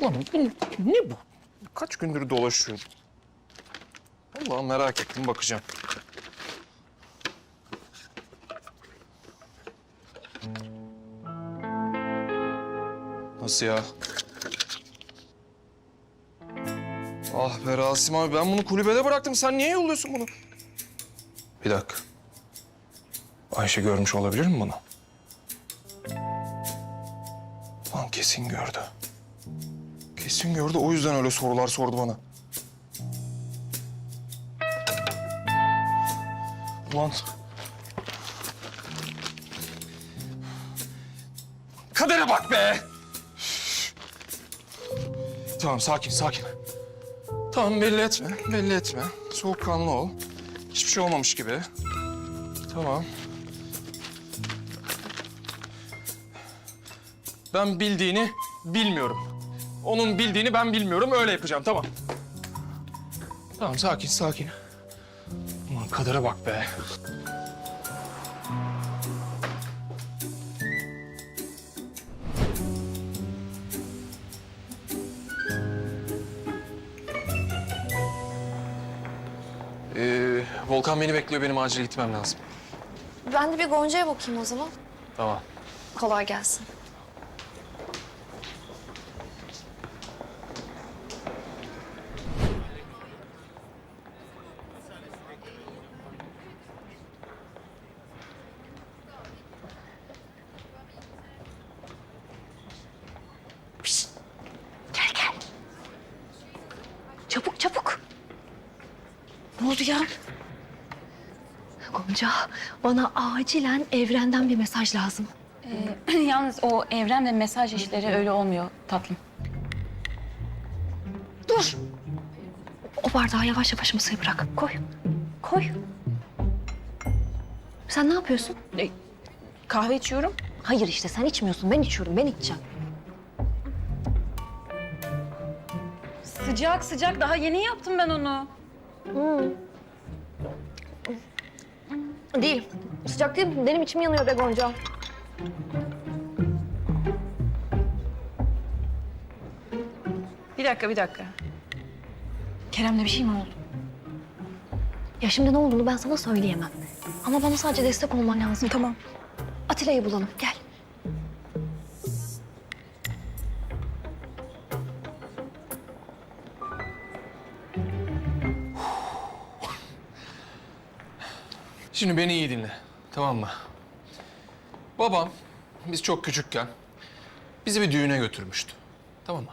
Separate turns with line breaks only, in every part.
Ulan ne bu? Kaç gündür dolaşıyor? Vallahi merak ettim, bakacağım. Nasıl ya? Ah be Rasim abi, ben bunu kulübede bıraktım. Sen niye yolluyorsun bunu? Bir dakika. Ayşe görmüş olabilir mi bunu? Lan kesin gördü. Kesin gördü, o yüzden öyle sorular sordu bana. Ulan... Kadere bak be! Tamam, sakin, sakin. Tamam, belli etme, belli etme. Soğukkanlı ol. Hiçbir şey olmamış gibi. Tamam. Ben bildiğini bilmiyorum. Onun bildiğini ben bilmiyorum, öyle yapacağım, tamam. Tamam, sakin, sakin. Ulan kadere bak be. Volkan beni bekliyor, benim acil gitmem lazım.
Ben de bir Gonca'ya bakayım o zaman.
Tamam.
Kolay gelsin. Pişt. Gel gel. Çabuk çabuk. Ne oldu ya? Gonca, bana acilen evrenden bir mesaj lazım.
Yalnız o evren ve mesaj işleri öyle olmuyor tatlım.
Dur. O bardağı yavaş yavaş masaya bırak. Koy. Koy. Sen ne yapıyorsun?
Kahve içiyorum.
Hayır işte sen içmiyorsun. Ben içiyorum. Ben içeceğim.
Sıcak sıcak daha yeni yaptım ben onu.
Değil. Sıcak değil. Benim içim yanıyor be Gonca.
Bir dakika bir dakika. Kerem'le bir şey mi oldu?
Ya şimdi ne olduğunu ben sana söyleyemem. Ama bana sadece destek olman lazım.
Tamam.
Atilla'yı bulalım. Gel.
Şimdi beni iyi dinle, tamam mı? Babam, biz çok küçükken bizi bir düğüne götürmüştü, tamam mı?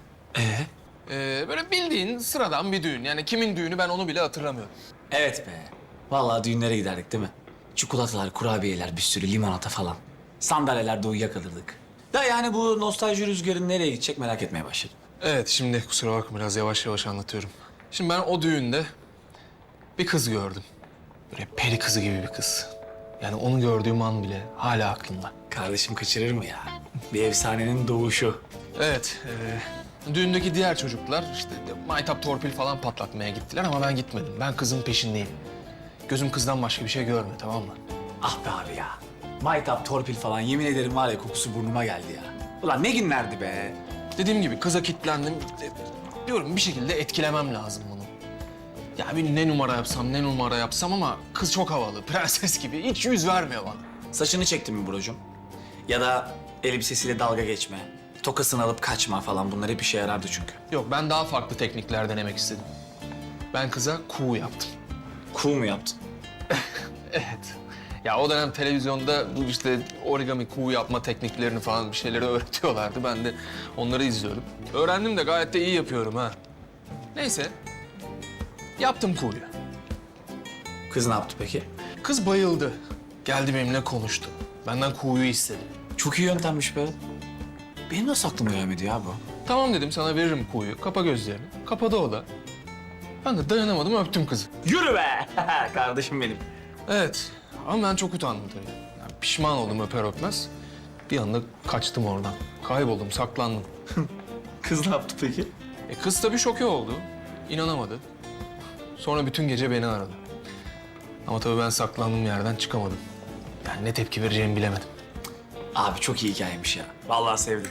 Böyle bildiğin sıradan bir düğün. Yani kimin düğünü ben onu bile hatırlamıyorum.
Evet be. Vallahi düğünlere giderdik değil mi? Çikolatalar, kurabiyeler, bir sürü limonata falan. Sandalyelerde uyuyakalırdık. Da yani bu nostalji rüzgarı nereye gidecek merak etmeye başladım.
Evet, şimdi kusura bakma, biraz yavaş yavaş anlatıyorum. Şimdi ben o düğünde bir kız gördüm. Böyle peri kızı gibi bir kız. Yani onu gördüğüm an bile hala aklımda.
Kardeşim kaçırır mı ya? Bir efsanenin doğuşu.
Evet, düğündeki diğer çocuklar işte maytap torpil falan patlatmaya gittiler ama ben gitmedim. Ben kızın peşindeyim. Gözüm kızdan başka bir şey görmüyor, tamam mı?
Ah be abi ya. Maytap, torpil falan yemin ederim var ya kokusu burnuma geldi ya. Ulan ne günlerdi be.
Dediğim gibi kıza kilitlendim. Diyorum bir şekilde etkilemem lazım bunu. Ya bir ne numara yapsam, ne numara yapsam ama kız çok havalı, prenses gibi. Hiç yüz vermiyor bana.
Saçını çektin mi brocum? Ya da elbisesiyle dalga geçme. Tokasını alıp kaçma falan bunlar hep işe yarardı çünkü.
Yok, ben daha farklı teknikler denemek istedim. Ben kıza kuğu yaptım.
Cool mu yaptın?
Evet. Ya o dönem televizyonda bu işte origami kuğu yapma tekniklerini falan bir şeyleri öğretiyorlardı. Ben de onları izliyordum. Öğrendim de gayet de iyi yapıyorum ha. Neyse. Yaptım kuğuyu.
Kız ne yaptı peki?
Kız bayıldı. Geldi benimle konuştu. Benden kuğuyu istedi.
Çok iyi yöntemmiş be. Benim nasıl aklıma gelmedi ya bu?
Tamam dedim, sana veririm kuğuyu. Kapa gözlerini. Kapadı o da. Ben de dayanamadım, öptüm kızı.
Yürü be! Kardeşim benim.
Evet. Ama ben çok utandım tabii. Yani pişman oldum öper öpmez. Bir anda kaçtım oradan. Kayboldum, saklandım.
Kız ne yaptı peki?
Kız tabii şoke oldu. İnanamadı. Sonra bütün gece beni aradı. Ama tabii ben saklandığım yerden çıkamadım. Yani ne tepki vereceğimi bilemedim.
Abi çok iyi hikayemiş ya. Vallahi sevdim.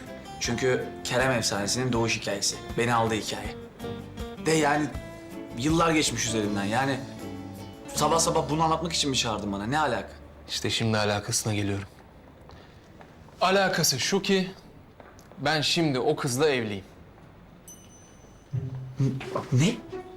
Çünkü Kerem efsanesinin doğuş hikayesi. Beni aldı hikaye. De yani yıllar geçmiş üzerinden. Yani sabah sabah bunu anlatmak için mi çağırdın bana? Ne alaka?
İşte şimdi alakasına geliyorum. Alakası şu ki ben şimdi o kızla evliyim.
Ne?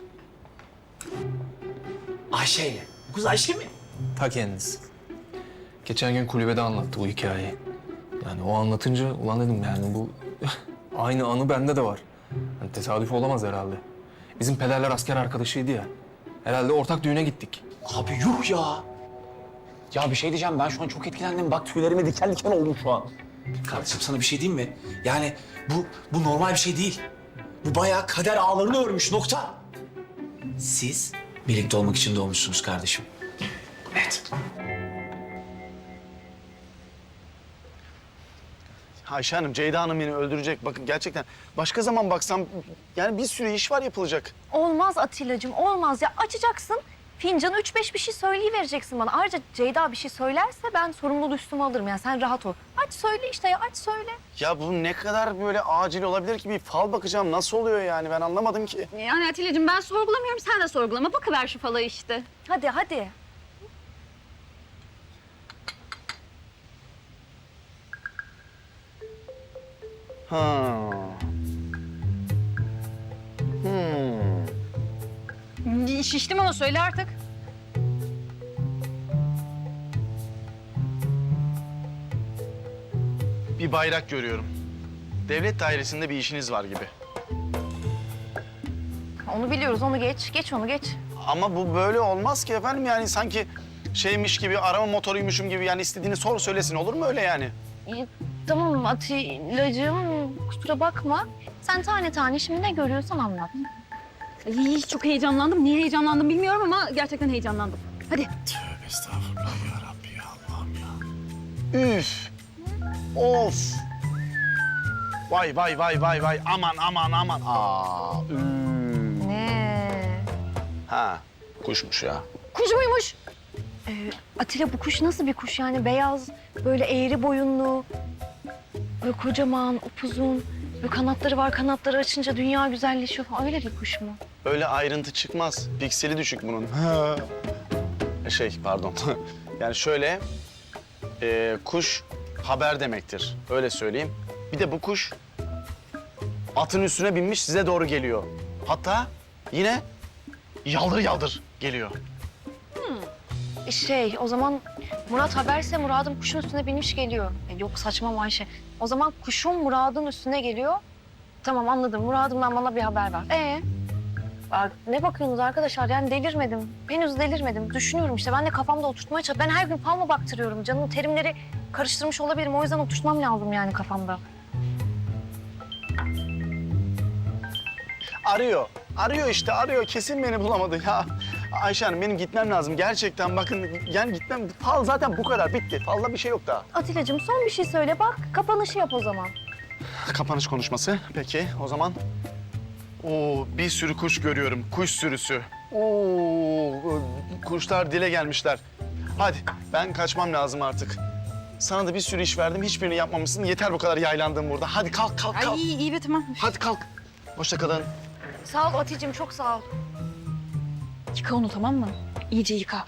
Ayşe'yle. Bu kız Ayşe mi?
Ta kendisi. Geçen gün kulübede anlattı bu hikayeyi. Yani o anlatınca ulan dedim yani bu aynı anı bende de var. Yani tesadüf olamaz herhalde. Bizim pederler asker arkadaşıydı ya. Herhalde ortak düğüne gittik.
Abi yuh ya. Ya bir şey diyeceğim, ben şu an çok etkilendim. Bak tüylerime diken diken oldum şu an. Kardeşim sana bir şey diyeyim mi? Yani bu normal bir şey değil. Bu bayağı kader ağlarını örmüş, nokta. Siz birlikte olmak için doğmuşsunuz kardeşim. Evet.
Ayşe Hanım, Ceyda Hanım beni öldürecek. Bakın gerçekten başka zaman baksam yani bir sürü iş var yapılacak.
Olmaz Atilla'cığım, olmaz ya. Açacaksın, fincanı 3-5 bir şey söyleyivereceksin bana. Ayrıca Ceyda bir şey söylerse ben sorumluluğu üstüme alırım. Yani sen rahat ol. Aç söyle işte ya, aç söyle.
Ya bu ne kadar böyle acil olabilir ki? Bir fal bakacağım. Nasıl oluyor yani? Ben anlamadım ki.
Yani Atilla'cığım ben sorgulamıyorum, sen de sorgulama. Bakıver şu falayı işte.
Hadi, hadi.
Ha.
Şiştim ama söyle artık.
Bir bayrak görüyorum. Devlet dairesinde bir işiniz var gibi.
Onu biliyoruz, onu geç. Geç onu, geç.
Ama bu böyle olmaz ki efendim. Yani sanki şeymiş gibi, arama motoruymuşum gibi. Yani istediğini sor söylesin. Olur mu öyle yani?
Tamam Atilla'cığım, kusura bakma. Sen tane tane şimdi ne görüyorsan anlat.
Ay, çok heyecanlandım. Niye heyecanlandım bilmiyorum ama gerçekten heyecanlandım. Hadi.
Estağfurullah ya Rabbi ya Allah'ım ya. Üf. Of. Vay vay vay vay vay. Aman aman aman. Aa.
Ne?
Ha. Kuşmuş ya.
Kuş muymuş? Atilla bu kuş nasıl bir kuş yani? Beyaz, böyle eğri boyunlu, böyle kocaman, upuzun, böyle kanatları var. Kanatları açınca dünya güzelleşiyor falan. Öyle bir kuş mu?
Öyle ayrıntı çıkmaz. Pikseli düşük bunun. Pardon. Yani şöyle, kuş haber demektir. Öyle söyleyeyim. Bir de bu kuş atın üstüne binmiş size doğru geliyor. Hatta yine yaldır yaldır geliyor.
O zaman Murat haberse Murad'ın kuşun üstüne binmiş geliyor. Yok saçma Ayşe. O zaman kuşun Murad'ın üstüne geliyor. Tamam anladım. Murad'ımdan bana bir haber ver. Ne bakıyorsunuz arkadaşlar? Yani delirmedim. Henüz delirmedim. Düşünüyorum işte. Ben de kafamda oturtmaya çalışıyorum. Ben her gün fal mı baktırıyorum? Canım terimleri karıştırmış olabilirim. O yüzden oturtmam lazım yani kafamda.
Arıyor. Arıyor işte arıyor. Kesin beni bulamadı ya. Ayşe Hanım benim gitmem lazım. Gerçekten bakın yani gitmem. Fal zaten bu kadar bitti. Falda bir şey yok daha.
Atilla'cığım son bir şey söyle bak. Kapanışı yap o zaman.
Kapanış konuşması. Peki o zaman. Oo bir sürü kuş görüyorum. Kuş sürüsü. Oo kuşlar dile gelmişler. Hadi ben kaçmam lazım artık. Sana da bir sürü iş verdim. Hiçbirini yapmamışsın. Yeter bu kadar yaylandığım burada. Hadi kalk kalk kalk.
Ay iyi be tamam.
Hadi kalk. Hoşça kalın.
Sağ ol Atilla'cığım çok sağ ol.
Yıka onu tamam mı? İyice yıka.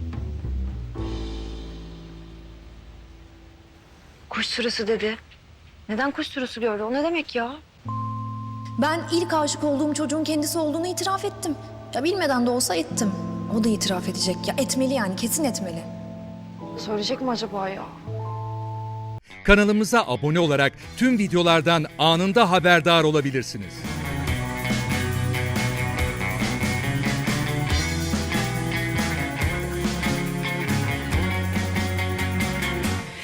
Kuş sürüsü dedi. Neden kuş sürüsü gördü? O ne demek ya?
Ben ilk aşık olduğum çocuğun kendisi olduğunu itiraf ettim. Ya bilmeden de olsa ettim. O da itiraf edecek. Ya etmeli yani, kesin etmeli.
Söyleyecek mi acaba ya?
Kanalımıza abone olarak tüm videolardan anında haberdar olabilirsiniz.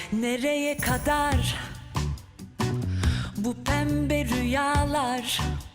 Nereye kadar bu pembe rüyalar?